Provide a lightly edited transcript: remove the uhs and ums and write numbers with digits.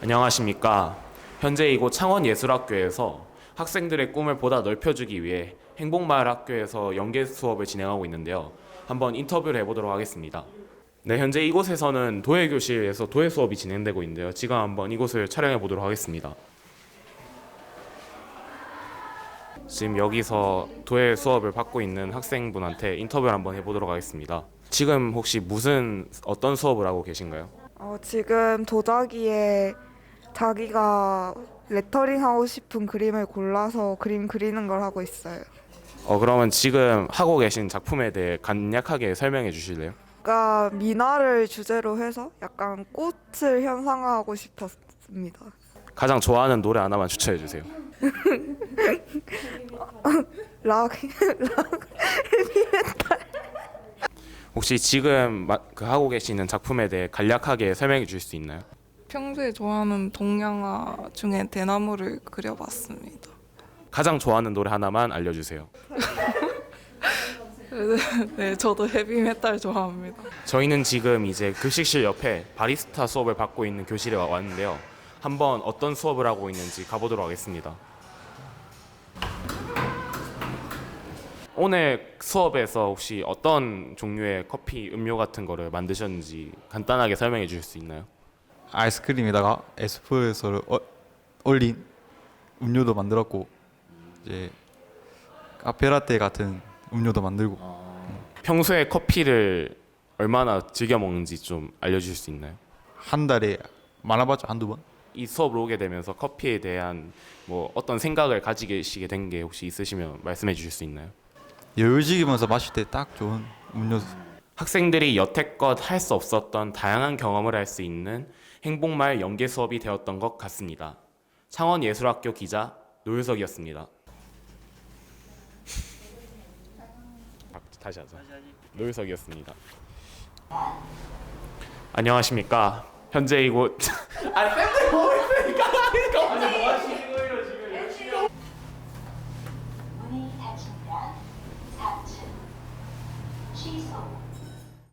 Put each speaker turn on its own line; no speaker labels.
안녕하십니까. 현재 이곳 창원예술학교에서 학생들의 꿈을 보다 넓혀주기 위해 행복마을학교에서 연계 수업을 진행하고 있는데요. 한번 인터뷰를 해보도록 하겠습니다. 네, 현재 이곳에서는 도예교실에서 도예 수업이 진행되고 있는데요. 지금 한번 이곳을 촬영해 보도록 하겠습니다. 지금 여기서 도예 수업을 받고 있는 학생분한테 인터뷰를 한번 해보도록 하겠습니다. 지금 혹시 어떤 수업을 하고 계신가요?
지금 도자기에 자기가 레터링 하고 싶은 그림을 골라서 그림 그리는 걸 하고 있어요.
그러면 지금 하고 계신 작품에 대해 간략하게 설명해 주실래요?
그러니까 미나를 주제로 해서 약간 꽃을 현상화하고 싶었습니다.
가장 좋아하는 노래 하나만 추천해 주세요.
락,
혹시 지금 하고 계시는 작품에 대해 간략하게 설명해 주실 수 있나요?
평소에 좋아하는 동양화 중에 대나무를 그려봤습니다.
가장 좋아하는 노래 하나만 알려주세요.
네, 저도 헤비메탈 좋아합니다.
저희는 지금 이제 급식실 옆에 바리스타 수업을 받고 있는 교실에 왔는데요. 한번 어떤 수업을 하고 있는지 가보도록 하겠습니다. 오늘 수업에서 혹시 어떤 종류의 커피, 음료 같은 거를 만드셨는지 간단하게 설명해 주실 수 있나요?
아이스크림에다가 에스프레소를 올린 음료도 만들었고 이제 카페라떼 같은 음료도 만들고
평소에 커피를 얼마나 즐겨 먹는지 좀 알려주실 수 있나요?
한 달에 많아봤자 한두 번?
이 수업을 오게 되면서 커피에 대한 뭐 어떤 생각을 가지시게 된 게 혹시 있으시면 말씀해 주실 수 있나요?
여유지기면서 마실 때 딱 좋은 음료수.
학생들이 여태껏 할 수 없었던 다양한 경험을 할 수 있는 행복마을 연계 수업이 되었던 것 같습니다. 창원예술학교 기자 노유석이었습니다. 다시 하자. 노유석이었습니다. 안녕하십니까. 현재 이곳 아니 쌤들